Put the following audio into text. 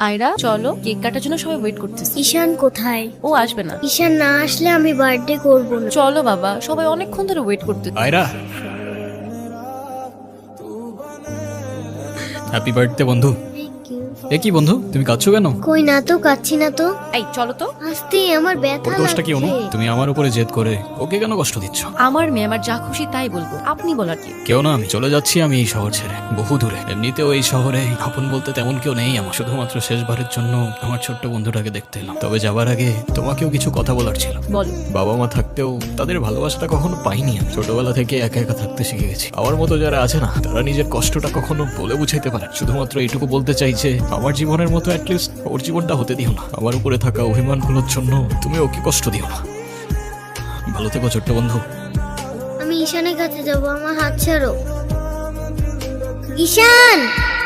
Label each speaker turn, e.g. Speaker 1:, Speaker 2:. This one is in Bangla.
Speaker 1: আয়রা চলো, কেক কাটার জন্য সবাই ওয়েট করতেছে।
Speaker 2: ঈশান কোথায়?
Speaker 1: ও আসবে না।
Speaker 2: ঈশান না আসলে আমি বার্থডে করব না।
Speaker 1: চলো বাবা, সবাই অনেকক্ষণ ধরে ওয়েট করতেছে।
Speaker 3: আয়রা, হ্যাপি বার্থডে বন্ধু। এ কি বন্ধু, তুমি কাঁদছো কেন?
Speaker 2: কই না তো, কাচ্ছি না তো।
Speaker 1: এই চলো তো।
Speaker 2: আস্তে, আমার ব্যথা
Speaker 3: ওর দোষটা কি অনু?
Speaker 2: লাগছে।
Speaker 3: তুমি আমার উপরে জেদ করে ওকে কেন কষ্ট দিচ্ছ?
Speaker 1: আমার মেয়ে, আমার যা খুশি তাই বলবো, আপনি বলার কি?
Speaker 3: কেউ না, আমি চলে যাচ্ছি আমি এই শহর ছেড়ে বহু দূরে। এমনিতেও এই শহরে আপন বলতে তেমন কেউ নেই আমার, শুধুমাত্র শেষবারের জন্য আমার ছোট্ট বন্ধুটাকে দেখতে এলাম। তবে যাবার আগে তোমাকেও কিছু কথা বলার ছিল।
Speaker 1: বলো।
Speaker 3: বাবা মা থাকতেও তাদের ভালোবাসাটা কখনো পাইনি আমি। ছোটবেলা থেকে একা একা থাকতে শিখে গেছি। আমার মতো যারা আছে না, তারা নিজের কষ্টটা কখনো বলে বুঝাইতে পারে। শুধুমাত্র এইটুকু বলতে চাইছে, আমার জীবনের মতো অ্যাটলিস্ট ওর জীবনটা হতে দিও না। আমার উপরে থাকা অভিমানগুলোর জন্য তুমি ওকে কষ্ট দিও না। ভালো থেকো ছোট্ট বন্ধু।
Speaker 2: আমি ঈশানের কাছে যাব, আমার হাত ছাড়ো। ঈশান!